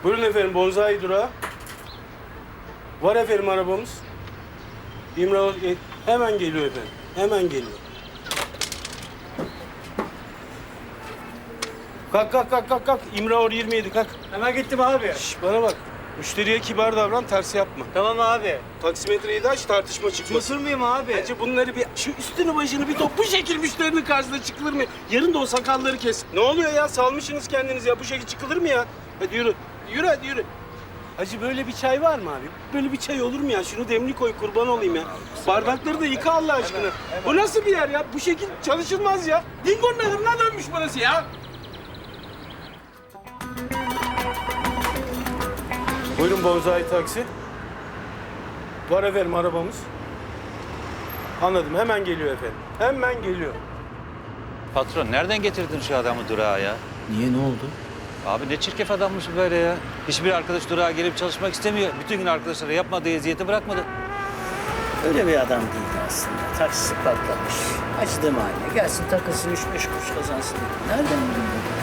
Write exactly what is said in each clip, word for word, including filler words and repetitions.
Buyurun efendim, Bonzai durağı. Var efendim arabamız. İmralı hemen geliyor efendim. Hemen geliyor. Kalk kalk kalk kalk kalk. İmralı yirmi yedi kalk. Hemen gittim abi. Şş, bana bak. Müşteriye kibar davran, tersi yapma. Tamam abi. Taksimetreyi de aç, tartışma çıkmasın. Cesur muyum abi? Bence bunları bir, şu üstünü başını bir top, bu şekil müşterinin karşısına çıkılır mı? Yarın da o sakalları kes. Ne oluyor ya? Salmışsınız kendinizi ya. Bu şekil çıkılır mı ya? Hadi yürü. Yürü hadi yürü. Hacı böyle bir çay var mı abi? Böyle bir çay olur mu ya? Şunu demli koy, kurban olayım ya. Bardakları da yıka Allah aşkına. Bu nasıl bir yer ya? Bu şekil çalışılmaz ya. Dingo'nun adımına dönmüş burası ya. Buyurun Bonzai taksi. Var efendim arabamız. Anladım. Hemen geliyor efendim. Hemen geliyor. Patron nereden getirdin şu adamı durağa ya? Niye, ne oldu? Abi ne çirkef adammış bu böyle ya. Hiçbir arkadaş durağa gelip çalışmak istemiyor. Bütün gün arkadaşlara yapmadığı eziyeti bırakmadı. Öyle bir adam değildi aslında. Taksisi patlamış. Acıdı mahalle. Gelsin takılsın, üç beş kuruş kazansın. Nereden bildin bunu?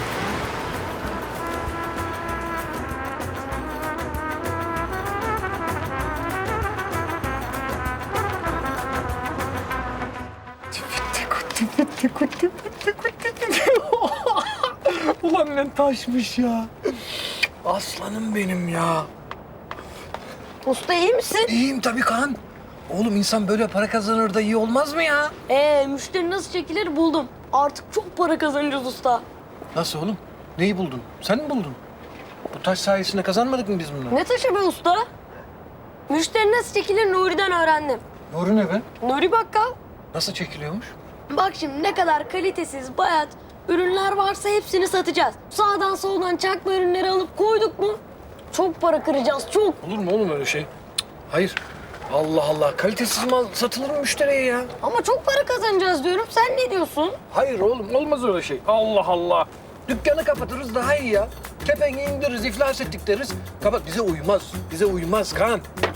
Ulan ne taşmış ya. Aslanım benim ya. Usta iyi misin? İyiyim tabii Kaan. Oğlum insan böyle para kazanır da iyi olmaz mı ya? Ee, müşteri nasıl çekilir buldum. Artık çok para kazanacağız usta. Nasıl oğlum? Neyi buldun? Sen mi buldun? Bu taş sayesinde kazanmadık mı biz bunu? Ne taşı be usta? Müşteri nasıl çekilir Nuri'den öğrendim. Doğru ne be? Nuri bakkal. Nasıl çekiliyormuş? Bak şimdi ne kadar kalitesiz, bayat ürünler varsa hepsini satacağız. Sağdan soldan çakma ürünleri alıp koyduk mu çok para kıracağız, çok. Olur mu oğlum öyle şey? Cık, hayır. Allah Allah. Kalitesiz mal satılır mı müşteriye ya? Ama çok para kazanacağız diyorum. Sen ne diyorsun? Hayır oğlum. Olmaz öyle şey. Allah Allah. Dükkanı kapatırız daha iyi ya. Kepengi indiririz, iflas ettik deriz. Kapat. Bize uymaz. Bize uymaz Kaan.